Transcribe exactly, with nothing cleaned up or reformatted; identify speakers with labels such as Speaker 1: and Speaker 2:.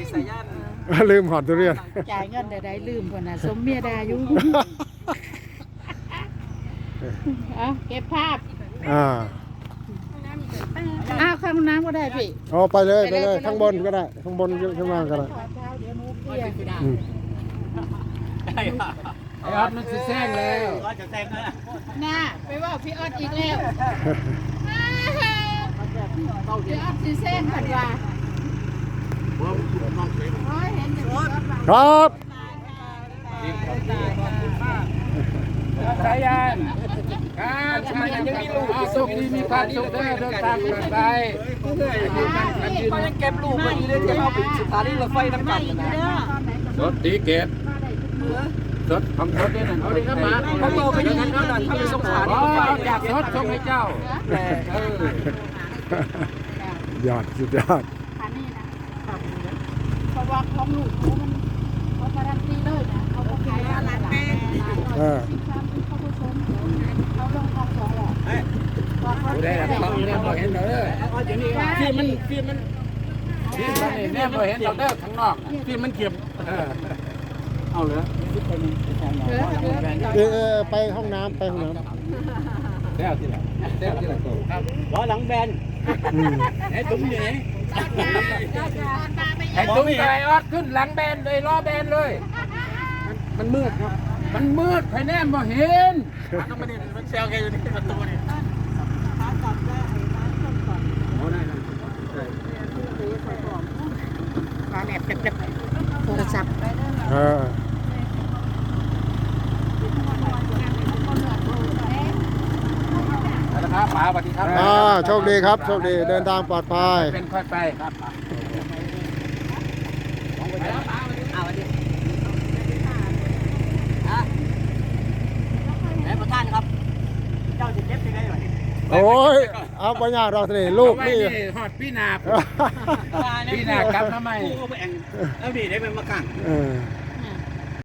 Speaker 1: สายัน
Speaker 2: ลืมหอดทุเรียน
Speaker 3: จ่ายเงินเดี๋ยวได้ลืมคนน่ะสมเมียดาอยู่เอาเก็บภาพ
Speaker 2: อ่า
Speaker 3: อ้าวข้างน้ำก็ได้พี่
Speaker 2: เอาไปเลยไปเลยข้างบนก็ได้ข้างบนข้างล่างก็ได้อืม
Speaker 1: ไอ้ออดมันจะแซงแล้วก็จะแซงแล้ว
Speaker 3: น่าไปว่าพี่ออดอีกแล้วพี่ออดซีเส้นผัดว่า
Speaker 2: ครับ
Speaker 1: สายันครับสายันยังมีลูกสุขดีมีความสุขเด้อเดินทางปลอดภัยก็ยังเก็บลูกมาอยู่เลยที่เขาเป็นสถานีรถไฟน้ำกันนะรถตีเกตรถของรถนี่นั่นเอาดิครับมาเขาโตไปยังไงเขาดันเขาไปสงสารเขาอยากรถส่งให้เจ้าแต่เอ
Speaker 2: อยอดสุดยอด
Speaker 3: อันนี้นะเพราะว่าของลูกเขามันเขาการันตีเลยนะเขาบอกขายร้านแป้ง
Speaker 2: เออ
Speaker 3: เขาผสมเขาลงทองสองหลอด
Speaker 1: ดูได้แล้วเขาเนี่ยเราเห็นเลยที่มันที่มันที่มันเนี่ยเราเห็นเราเด้อข้างนอกที่มันเก็บเอาเลย
Speaker 2: เออไปห้องน้ำไปห้องน้ำ
Speaker 1: เต้าที่ไหนเต้าที่ไหนตัวล้อหลังแบนไอ้ตุ้มอยู่ไหนไอ้ตุ้มไอ้ออดขึ้นหลังแบนเลยล้อแบนเลยมันมืดครับมันมืดไฟแนมบ่เห็นต้องมาเนี่ยมันเซลแกอยู่ที่ประตูนี่
Speaker 3: ร้านแอบเก็บโทรศัพท์
Speaker 2: เออ
Speaker 1: ครับป๋าสวัสดีครับ
Speaker 2: อ่าโชคดีครับโชคดีเดินทางปลอดภัย
Speaker 1: เป็นค่อยไปครับเอาสวัสดีแม่ประธานครับเจ้าจะเก็บยังไงวะ
Speaker 2: โอ้ยเอาปัญญาเราสิลูกนี่
Speaker 1: หอดพี่นาพี่นากลับทำไมเอาดีได้เป็นมะกัง
Speaker 2: เออ